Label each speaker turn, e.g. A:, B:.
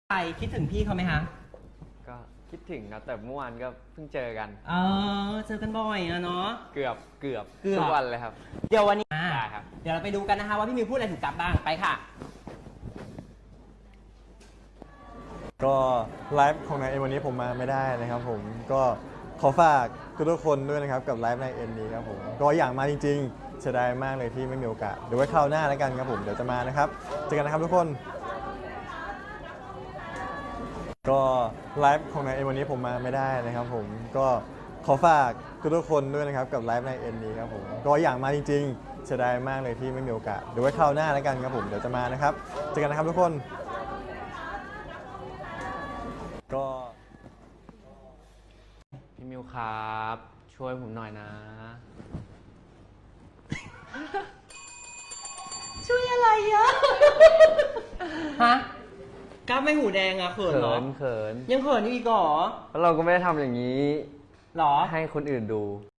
A: ไปคิดถึงพี่เขาไหมคะ
B: ก็คิดถึงครับแต่เมื่อวานก็เพิ่งเจอกัน
A: เจอกันบ่อยอะเนาะ
B: เกือบทุกวันเลยครับ
A: เดี๋ยววันนี้
B: ได้ครับ
A: เดี๋ยวเราไปดูกันนะคะว่าพี่มิวพูดอะไรถึงกับบ้างไปค่ะ
C: ก็ไลฟ์ของนายเอ็นวันนี้ผมมาไม่ได้นะครับผมก็ขอฝากทุกคนด้วยนะครับกับไลฟ์นายเอ็นนี้ครับผมก็อยากมาจริงๆเสียดายมากเลยที่ไม่มีโอกาสเดี๋ยวไว้คราวหน้าแล้วกันครับผมเดี๋ยวจะมานะครับเจอกันนะครับทุกคนก็ไลฟ์ของนายเอ็นวันนี้ผมมาไม่ได้นะครับผมก็ขอฝากทุกคนด้วยนะครับกับไลฟ์นายเอ็นนี้ครับผมก็อยากมาจริงๆเสียดายมากเลยที่ไม่มีโอกาสเดี๋ยวไว้คราวหน้าแล้วกันครับผมเดี๋ยวจะมานะครับเจอกันนะครับทุกคนก็
B: พี่มิวครับช่วยผมหน่อยนะ
A: ช่วยอะไรอะฮะก้าวไม่หูแดงอะเขินเหรอ
B: เขิน
A: ยังเขินอยู่อีกเหรอ
B: แล้วเราก็ไม่ได้ทำอย่างนี้
A: หรอ
B: ให้คนอื่นดู